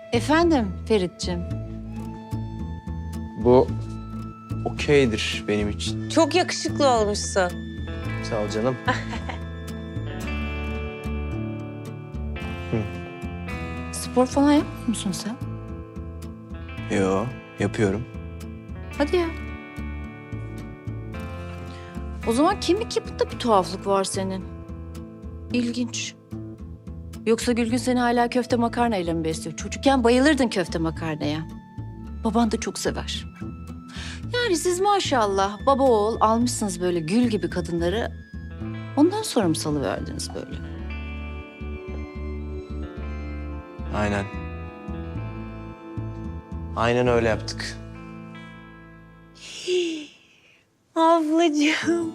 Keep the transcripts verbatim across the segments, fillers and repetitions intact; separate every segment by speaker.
Speaker 1: Efendim Ferit'ciğim.
Speaker 2: Bu okeydir benim için.
Speaker 3: Çok yakışıklı olmuşsun.
Speaker 2: Sağ ol canım.
Speaker 1: Spor falan yapmıyor musun sen?
Speaker 2: Yo, yapıyorum.
Speaker 1: Hadi ya. O zaman kemik yapında bir tuhaflık var senin. İlginç. Yoksa Gülgün seni hala köfte makarnayla mı besliyor? Çocukken bayılırdın köfte makarnaya. Baban da çok sever. Yani siz maşallah baba oğul almışsınız böyle gül gibi kadınları. Ondan sonra mı salıverdiniz böyle?
Speaker 2: Aynen. Aynen öyle yaptık.
Speaker 3: Ablacığım.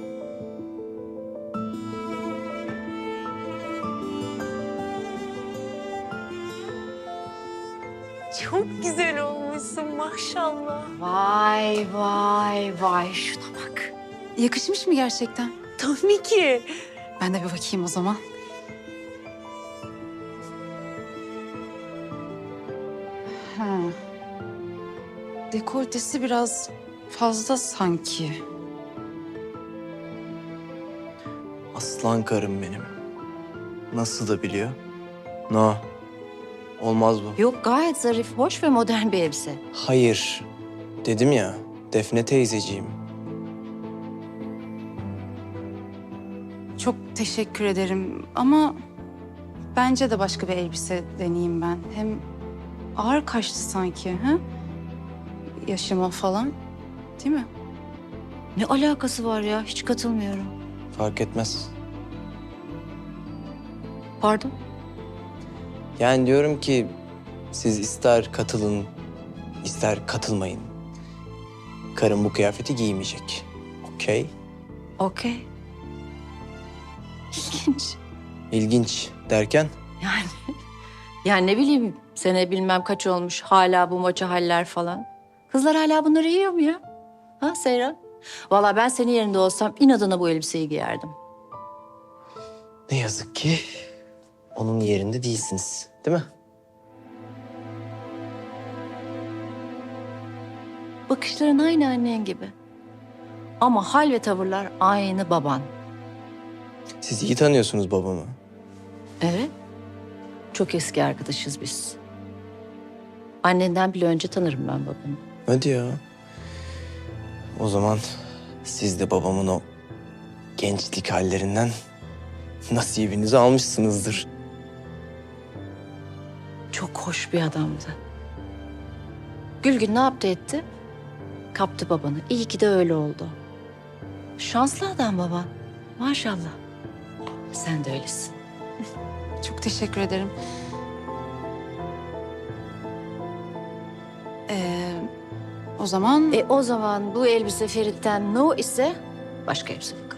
Speaker 3: Çok güzel olmuşsun maşallah.
Speaker 1: Vay vay vay şuna bak.
Speaker 4: Yakışmış mı gerçekten?
Speaker 3: Tabii ki.
Speaker 4: Ben de bir bakayım o zaman. Ha. Dekoltesi biraz fazla sanki.
Speaker 2: Aslan karım benim. Nasıl da biliyor? No. Olmaz bu.
Speaker 1: Yok gayet zarif, hoş ve modern bir elbise.
Speaker 2: Hayır. Dedim ya, Defne teyzeciğim.
Speaker 4: Çok teşekkür ederim ama bence de başka bir elbise deneyeyim ben. Hem ağır kaçtı sanki, ha? Yaşıma falan, değil mi?
Speaker 1: Ne alakası var ya? Hiç katılmıyorum.
Speaker 2: Fark etmez.
Speaker 1: Pardon?
Speaker 2: Yani diyorum ki siz ister katılın, ister katılmayın. Karım bu kıyafeti giymeyecek. Okey?
Speaker 1: Okey. İlginç.
Speaker 2: İlginç derken?
Speaker 1: Yani, yani ne bileyim sene bilmem kaç olmuş hala bu maça haller falan. Kızlar hala bunları yiyor mu ya? Ha Seyran? Vallahi ben senin yerinde olsam inadına bu elbiseyi giyerdim.
Speaker 2: Ne yazık ki onun yerinde değilsiniz, değil mi?
Speaker 1: Bakışların aynı annen gibi. Ama hal ve tavırlar aynı baban.
Speaker 2: Siz iyi tanıyorsunuz babamı.
Speaker 1: Evet. Çok eski arkadaşız biz. Annenden bile önce tanırım ben babanı.
Speaker 2: Hadi ya. O zaman siz de babamın o gençlik hallerinden nasibinizi almışsınızdır.
Speaker 1: Çok hoş bir adamdı. Gülgün ne yaptı etti? Kaptı babanı. İyi ki de öyle oldu. Şanslı adam baban. Maşallah. Sen de öylesin.
Speaker 4: Çok teşekkür ederim. Ee, o zaman
Speaker 1: E o zaman bu elbise Ferit'ten no ise başka elbise bak.